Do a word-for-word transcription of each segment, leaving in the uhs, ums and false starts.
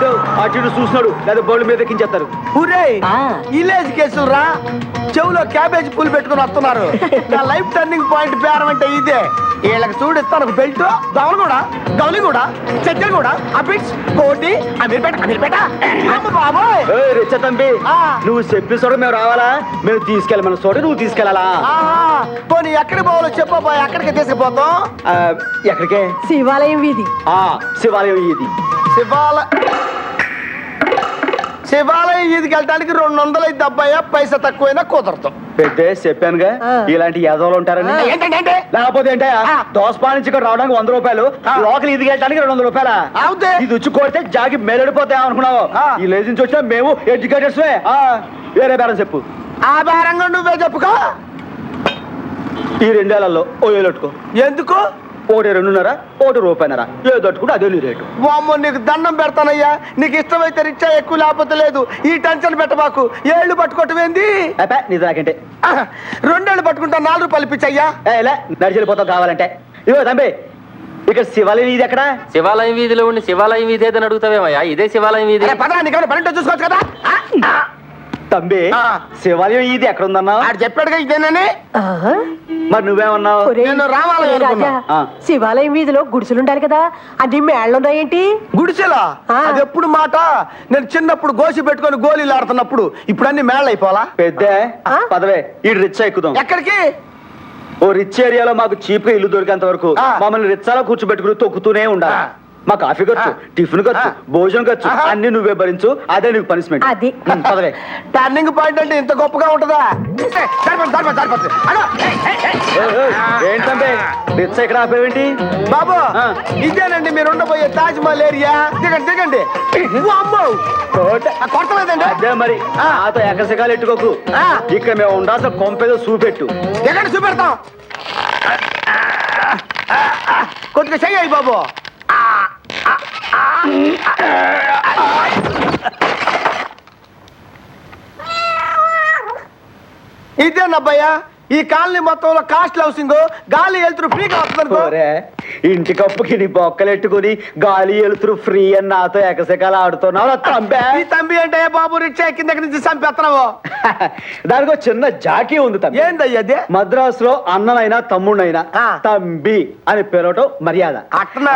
ఏంటో అటు ఇటు చూస్తున్నాడు లేదా బోర్డు మీద ఎక్కించేస్తారు. ఊరే విలేజ్ కేసులు రా, చెవులో క్యాబేజ్ పూలు పెట్టుకుని వస్తున్నారు. నా లైఫ్ టర్నింగ్ పాయింట్ పేరం అంటే ఇదే. వీళ్ళకి చూడిస్తాను బెల్ట్, దవలు కూడా, గౌలి కూడా, చెక్కలు కూడా, అబిట్స్, కోటి, అమీర్పేట, అమీర్పేట. బాబోయ్ రిచ్చ తంబి, నువ్వు చెప్పిన చోట మేము రావాలా? మేము తీసుకెళ్ళి మన చోట నువ్వు తీసుకెళ్ళాలా? పోనీ ఎక్కడికి పోవాలో చెప్పబోయ్, ఎక్కడికి తీసుకుపోతాం? ఎక్కడికే? శివాలయం వీధి. శివాలయం ఇది. శివాల శివాలయం వీధికి వెళ్ళడానికి రెండు వందలు అయితే అబ్బాయి, పైసా తక్కువైనా కుదరదు. పెద్ద చెప్పానుగా ఇలాంటి యాదవులు ఉంటారని. ఏంటంటే లేకపోతే ఏంట దోసపా నుంచి ఇక్కడ రావడానికి వంద రూపాయలు, లోకల్ ఇది వెళ్ళడానికి రెండు వందల రూపాయల. ఇది వచ్చి కొడితే జాగి మేలడిపోతాయి అనుకున్నావు. ఈ లేజ్ నుంచి వచ్చినా మేము ఎడ్యుకేటర్స్. వేరే బేరం చెప్పు. ఆ బేరంగా నువ్వే చెప్పుకో. ఈ రెండేళ్లలో ఓ ఏలెట్టుకో. ఎందుకు? ఒకటి రెండున్నర, ఒకటి రూపాయినర, ఏ దట్టుకుంటే అదే నీ రేటు. వామ్మో, నీకు దండం పెడతానయ్యా. నీకు ఇష్టమైతే రిచ్చా ఎక్కువ, లేకపోతే లేదు. ఈ టెన్షన్ పెట్టబాకు. ఏళ్ళు పట్టుకోవటమేంది? నీ దాకంటే రెండేళ్ళు పట్టుకుంటా, నాలుగు రూపాయలు ఇప్పించయ్యా. నడిచెళ్ళిపోతావు కావాలంటే. ఇవో తంబి, ఇక్కడ శివాలయం వీధి ఎక్కడ? శివాలయం వీధిలో ఉండి శివాలయం వీధి ఏదని అడుగుతావేమయ్యా? ఇదే శివాలయం వీధి. పదా, నీకు పన్నెండు చూసుకోవచ్చు కదా. తంబి, శివాలయం ఇది ఎక్కడ ఉందన్నా? ఆడు చెప్పాడుగా ఇదేనని. మరి నువ్వేమన్నావు? నేను రావాలనుకున్నా. శివాలయం వీధిలో గుడిసెలుండాలి కదా, అది మేళ్ళున్నాయేంటి? గుడిసెలా? అది ఎప్పుడు మాట? నేను చిన్నప్పుడు గోసి పెట్టుకొని గోళీలు ఆడుతున్నప్పుడు. ఇప్పుడు అన్ని మేళ అయిపోవాలా? పెద్ద పదవే, ఈ రిచ్ ఎక్కుదాం. ఎక్కడికి? ఓ రిచ్ ఏరియాలో మాకు చీప్ గా ఇల్లు దొరికేంత వరకు మమ్మల్ని రిచ్చాలో కూర్చోబెట్టుకుని తొక్కుతూనే ఉండాలి. మా కాఫీ ఖర్చు, టిఫిన్ ఖర్చు, భోజనం ఖర్చు అన్ని నువ్వే భరించు. అదే నీకు పనిష్మెంట్. అది పదవే. టర్నింగ్ పాయింట్ అంటే ఇంత గొప్పగా ఉంటుందా? ఏంటంటే రిచ్ ఇక్కడ ఆపేవేంటి? బాబు, ఇదేనండి మీరు ఉండబోయే తాజ్ మహల్ ఏరియా. దిగండి దిగండి. కొట్టలేదండి. అదే మరి నాతో ఎకసకాలు ఎట్టుకోకు. ఇక్కడ మేము ఉండాల్సిన కొంపేదో చూపెట్టు. దిగండి, చూపెడతాం. కొద్దిగా చెయ్యి బాబు. ఇదేనబ్బయ్యా ఈ కాలనీ మొత్తంలో కాస్ట్ హౌసింగ్. గాలి వెళ్తురు ఫ్రీగా వస్తుంది. ఇంటి కప్పుకి నీ బొక్కలెట్టుకుని గాలి వెళ్తురు ఫ్రీ అని నాతో ఎకసకాలు ఆడుతున్నావు. ఈ తంబి అంటే బాబు రిక్షా కింద నుంచి చంపేస్తున్నావు. దానికి చిన్న జాకీ ఉంది తంబి. ఏందయ్యది? మద్రాసులో అన్ననైనా తమ్ముడైనా తంబి అని పిలవటం మర్యాద. అట్నా?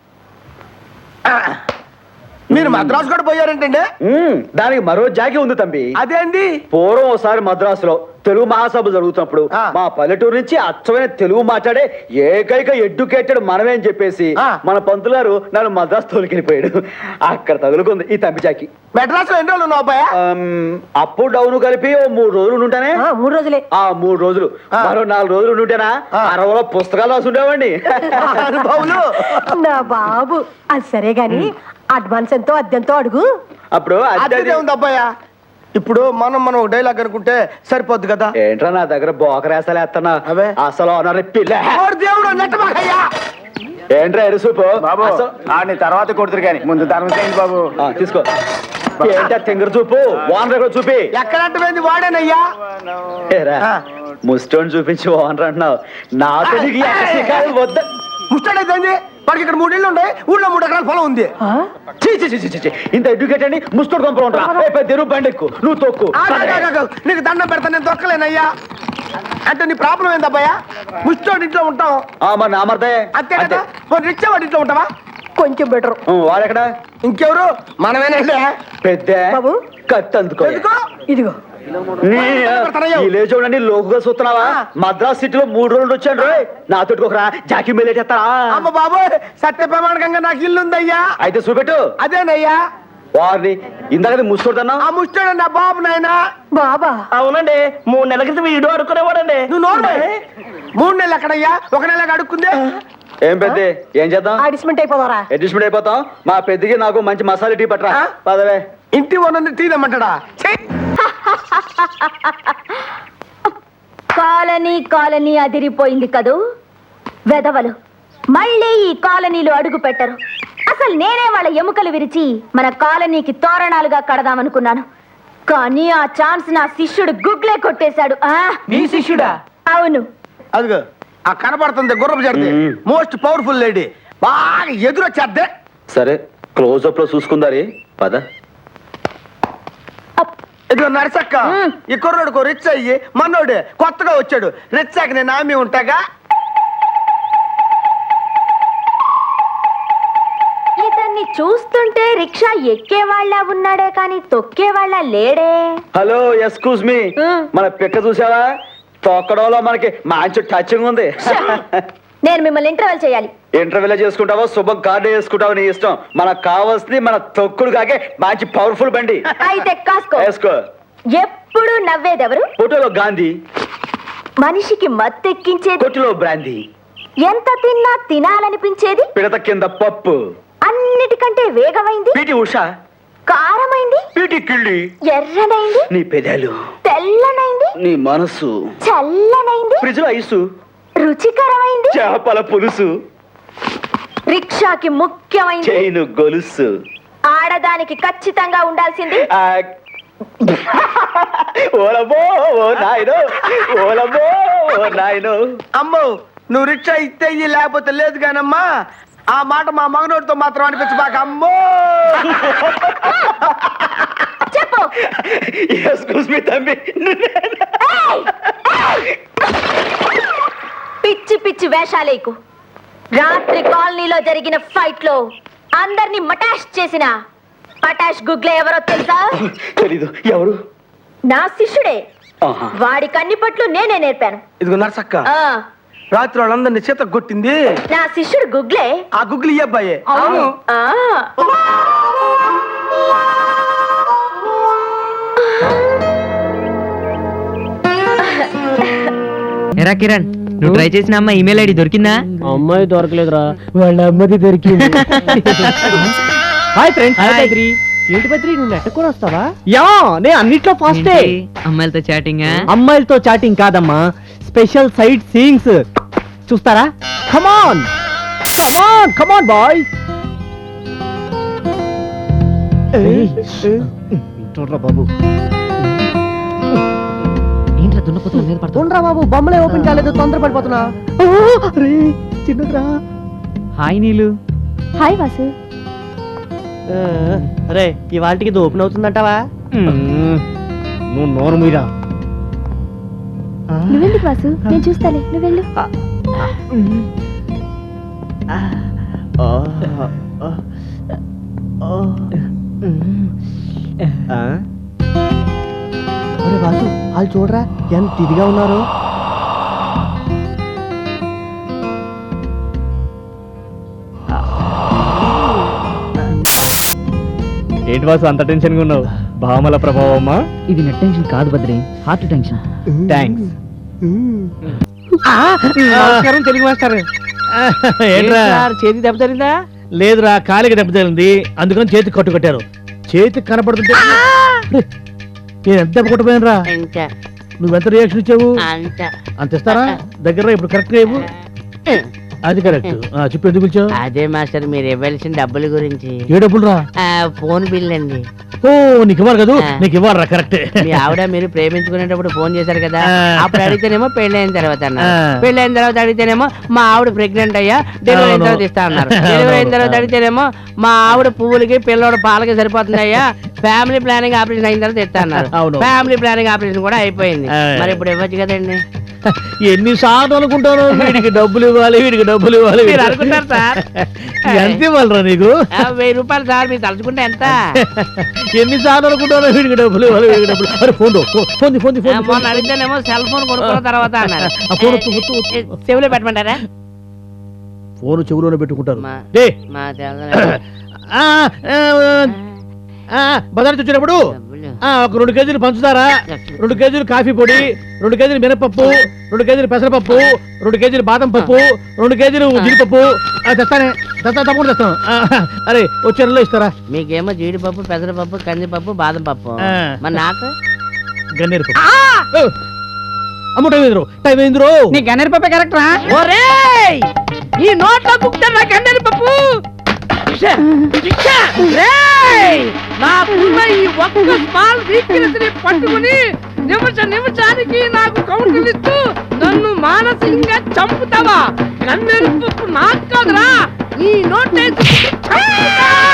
మీరు మద్రాసు కూడా పోయారంటండి? దానికి మరో జాగి ఉంది తంబి. అదేంది? పూర్వం ఒకసారి మద్రాసులో తెలుగు మహాసభ జరుగుతున్నప్పుడు మా పల్లెటూరు నుంచి అచ్చమైన తెలుగు మాట్లాడే ఏకైక ఎడ్యుకేటెడ్ మనమే అని చెప్పేసి మన పంతులు గారు నన్ను మద్రాసు తోలికెళ్ళిపోయాడు. అక్కడ తగులుకుంది ఈ తంబి జాకి. మెడ్రాస్ లో ఎన్ని రోజులు ఉన్నావు అబ్బాయా? అప్పు డౌన్ కలిపి ఓ మూడు రోజులు ఉంటానే. మూడు రోజులే. ఆ మూడు రోజులు మరో నాలుగు రోజులు ఉంటేనా అరవలో పుస్తకాలు రాసుండేవండి. నా బాబు అది సరే గాని అడ్వాన్స్ ఎంతో అద్దెంతో అడుగు. అప్పుడు అదే ఉంది అబ్బాయా. ఇప్పుడు మనం మనం ఒక డైలాగ్ అనుకుంటే సరిపోద్ది కదా. ఏంట్రా నా దగ్గర బోకరేస్తలేస్తున్నా అసలు దేవుడు ఏంట్రా ఎరుసూపు బాబు. తర్వాత కొడుతురు కానీ ముందు ధర్మం బాబు. తీసుకో. ఏంటా తింగర చూపు ఓనర్ చూపి. ఎక్కడంటే వాడేనయ్యా. ముస్టోన్ చూపించి ఓనర్ అంటున్నావు. నాతో వద్ద ముస్టాడైంది. వాడికి ఇక్కడ మూడు ఇళ్ళు ఉంటాయి, ఊళ్ళో మూడు ఎకరాల పొలం ఉంది. ఇంత ఎడ్యుకేట్ అండి ముస్టోడ్ కొంపలు ఉంటా. తెరువు బండెక్కు, నువ్వు తొక్కు. నీకు దండం పెడతా, నేను తొక్కలేనయ్యా. అంటే నీ ప్రాబ్లం ఏందబ్బాయా? ముస్టోడ్ ఇంట్లో ఉంటాం మరి నామర్దే అంతే కదా. రిచ్చా వాడి ఇంట్లో ఉంటావా? కొంచెం బెటర్. వాడెక్కడ? ఇంకెవరు? మనమేనండి. పెద్ద బాబు కత్తి అందుకో. ఇదిగో చూడండి లోకుగా చూస్తున్నావా? మద్రాస్ సిటీలో మూడు రోజులు వచ్చాను రోయ్. నాతో ఒకరా జాకి మేలేటేస్తారా? అమ్మ బాబు, సత్య ప్రమాణకంగా నాకు ఇల్లు ఉందయ్యా. అయితే చూపెట్టు. అదేనయ్యా. వారిని ఇందాక ముస్తోడన్నా. ఆ ముస్తోడు నా బాబు నాయనా. బాబా? అవునండి, మూడు నెలల క్రితం వీడు అడుక్కునేవాడండి. నువ్వు నోరు. మూడు నెలలు ఎక్కడయ్యా? ఒక నెలగా అడుక్కుందే. ఏం పెద్ద ఏం చేద్దాం? అడ్జస్ట్మెంట్ అయిపోతారా? అడ్జస్ట్మెంట్ అయిపోతాం. మా పెద్దకి నాకు మంచి మసాలా టీ పట్టరా. పదవే. ఇంటి ఓనర్ని టీ తెమ్మంటాడా? కాలనీ కాలనీ అదిరిపోయింది కదూ వెదవలు. మళ్ళీ ఈ కాలనీలో అడుగు పెట్టరు. అసలు నేనే వాళ్ళ ఎముకలు విరిచి మన కాలనీకి తోరణాలుగా కడదామనుకున్నాను. కానీ ఆ ఛాన్స్ నా శిష్యుడు గుగ్లే కొట్టేశాడు. నీ శిష్యుడా? అవును. అదిగో ఆ కనపడుతుంది గుర్రపు జర్ది. Most powerful lady. బాగా ఎదురొచ్చేద్దే. సరే క్లోజప్ లో చూసుకుందారే పద. ఇదిగో నరసక్క, ఈ కుర్రోడుకు రిచ్ అయ్యి మనోడు కొత్తగా వచ్చాడు. రిచ్ అయ్యి నేను ఆమె ఉంటాగా. ఇతన్ని చూస్తుంటే రిక్షా ఎక్కేవాళ్ళ ఉన్నాడే కానీ తొక్కేవాళ్ళ లేడే. హలో ఎక్స్క్యూజ్ మీ, మన పిక్క చూసావా? తొక్కడంలో మనకి మంచి టచింగ్ ఉంది. నేను మిమ్మల్ని ఇంటర్వెల్ చేయాలి. ఇంటర్వ్యూలో చేసుకుంటావో శుభం కార్డు వేసుకుంటావో నీ ఇష్టం. మనకు కావాల్సింది మన తొక్కుడు కాకే మంచి పవర్ఫుల్ బండి. అయితే కాసుకో. వేసుకో. ఎప్పుడు నవ్వేదెవరు? ఫోటోలో గాంధీ, మనిషికి మత్తెక్కించేది. కొట్టులో బ్రాందీ, ఎంత తిన్నా తినాలనిపించేది. పిడత కింద పప్పు, అన్నిటికంటే వేగమైంది. పీటి ఉషా, కారమైంది. పీటి కిళ్ళి, ఎర్రనైంది. నీ పెదాలు, తెల్లనైంది. నీ మనసు, చల్లనైంది. ఫ్రిడ్జ్ లో ఐసు, రుచికరమైంది. చేపల పులుసు, రిక్షాకి ముఖ్యమైంది చైను గొలుసు. ఆడదానికి ఖచ్చితంగా ఉండాల్సింది ఆ, ఓలమ్మో ఓ నాయనో, ఓలమ్మో ఓ నాయనో. అమ్మో, నువ్వు రిక్షా ఇస్తే ఇయ్యి, లేకపోతే లేదు కానమ్మా. ఆ మాట మా మగనోడితో మాత్రం అనిపించబాక. అమ్మో చెప్పు. ఎక్స్క్యూజ్ మీ తమ్మి. పిచ్చి పిచ్చి వేషాలేకు. రాత్రి కాలనీలో జరిగిన ఫైట్ లో అందరినీ మటాష్ చేసిన పటాష్ గుగ్లే ఎవరో తెలుసా? తెలీదు. ఎవరు? నా శిష్యుడే. ఆహా. వాడి కన్నిపట్లు నేనే నేర్పాను. ఇదిగో నరసక్క, ఆ రాత్రి వాళ్ళందరినీ చేత కొట్టింది నా శిష్యుడు గుగ్లే. ఆ గుగ్గులు ఈ అబ్బాయే. అవును. ఆ. ఎరా కిరణ్, నువ్వు ట్రై చేసిన అమ్మాయి ఈమెయిల్ ఐడి దొరికిందా? అమ్మాయి దొరకలేదురా, వాళ్ళ అమ్మది దొరికింది. Hi friends. హాయ్ బద్రి. ఏంటి బద్రి, నువ్వు నెట్టుకొని వస్తావా? యా, నేను అన్నిట్లో ఫాస్టే. అమ్మాయిలతో చాటింగ్? అమ్మాయిలతో చాటింగ్ కాదమ్మా, స్పెషల్ సైట్ సీయింగ్స్. చూస్తారా? Come on come on come on boys. చూడరా బాబు. ఏంట్రా దున్నపోతున్నా మీద పడుతుంది? చూడరా బాబు, బొమ్మలే ఓపెన్ కాలేదు, తొందర పడిపోతున్నా. చిన్నరా. హాయ్ నీలు. హాయ్ వాసు. అరే, ఇవాళకి ఇది ఓపెన్ అవుతుందంటావా? నువ్వు నోరు మీరా. నువ్వెందుకు వాసు, నేను చూస్తాలే, నువ్వు వెళ్ళు. అరే వాసు, వాళ్ళు చూడరా ఎంత ఇదిగా ఉన్నారు. ఏంటి వాసు అంత టెన్షన్ గా ఉన్నావు? భామల ప్రభావమ్మా? ఇది నెట్ టెన్షన్ కాదు బద్రి, హార్ట్ టెన్షన్. థ్యాంక్స్. నమస్కారం తెలుగు మాస్టర్. ఏంట్రా చేతి దెబ్బ తగిలిందా? లేదురా, కాలికి దెబ్బ తగిలింది, అందుకని చేతికి కట్టు కట్టారు. చేతికి కనపడుతుంటే నేను ఎంత దెబ్బ కొట్టపోయాను. నువ్వెంత రియాక్షన్ ఇచ్చావు? అంత ఇస్తారా? దగ్గర ఇప్పుడు కరెక్ట్ గా ఇవ్వు. అది కరెక్ట్. చెప్పు, ఎందుకు పిలిచావు? అదే మాస్టర్, మీరు ఇవ్వాల్సిన డబ్బుల గురించి. ఏ డబ్బులు రా? ఆ, ఫోన్ బిల్ అండి. ఓ, నీకు ఇవ్వాలి కదా? నీకు ఇవ్వాలరా, కరెక్ట్. మీ ఆవిడ మీరు ప్రేమించుకునేటప్పుడు ఫోన్ చేశారు కదా, ఆ. అప్పుడు అడిగితేనేమో పెళ్లి అయిన తర్వాత అన్నారు. ఆ. పెళ్లి అయిన తర్వాత అడిగితేనేమో మా ఆవిడ ప్రెగ్నెంట్ అయ్యా, డెలివరీ అయిన అవును. తర్వాత ఇస్తా అన్నారు. అవును. డెలివరీ అయిన తర్వాత అడిగితేనేమో మా ఆవిడ పువ్వులకి పిల్లోడు పాలకి సరిపోతుంది అయ్యా, ఫ్యామిలీ ప్లానింగ్ ఆపరేషన్ అయిన తర్వాత ఇస్తా అన్నారు. అవును. ఫ్యామిలీ ప్లానింగ్ ఆపరేషన్ కూడా అయిపోయింది. ఆ. మరి ఇప్పుడు ఇవ్వచ్చు కదండి. ఎన్నిసార్లు అనుకుంటాను, వీడికి డబ్బులు ఇవ్వాలి, వీడికి డబ్బులు ఇవ్వాలి. మీరు అనుకుంటారు సార్. ఎంత ఇవ్వాలరా నీకు? ఆ, వెయ్యి రూపాయలు సార్, మీరు తలుచుకుంటే ఎంత? ఎన్నిసార్లు అనుకుంటాను, వీడికి డబ్బులు ఇవ్వాలి, వీడికి డబ్బులు. అరే ఫోన్ ఫోన్ ఫోన్ ఆ, మొన్న అడిగితేనేమో సెల్ ఫోన్ కొనుక్కున్న తర్వాత అన్నారు. ఆ, ఫోన్ వత్తు, వత్తు, వత్తు. చెవిలో పెట్టమంటారా? ఫోన్ చెవులోనే పెట్టుకుంటారు. మా- డే మా తెల్ల ఆ, ఆ, ఆ, బజార్ నుంచి వచ్చినప్పుడు డబ్బులు. ఆ, ఒక రెండు కేజీలు పంచుతారా, రెండు కేజీలు కాఫీ పొడి, రెండు కేజీలు మినపప్పు, రెండు కేజీలు పెసరపప్పు, రెండు కేజీలు బాదం పప్పు, రెండు కేజీలు జీడిపప్పు. ఆ, తెస్తానే తెస్తా, తప్పకుండా తెస్తాను. ఆ, అరే వచ్చే నెలలో ఇస్తారా? మీకేమో జీడిపప్పు, పెసరపప్పు, కందిపప్పు, బాదం పప్పు. ఆ. మరి నాకు గన్నేరు పప్పు. ఓ, అమ్మ టైం అయిందిరో, టైం అయిందిరో. నీ గన్నేరు పప్పే కరెక్ట్ రా. ఒరేయ్, ఈ నోట్లో కుక్తారు నా గన్నేరు పప్పు. నాకున్న ఈ ఒక్క స్మాల్ వీక్నెస్ ని పట్టుకుని నిమిష నిమిషానికి నాకు కౌంటర్ ఇస్తూ నన్ను మానసికంగా చంపుతావా? గన్నేరు పప్పు నాకు కాదురా, ఈ నోట్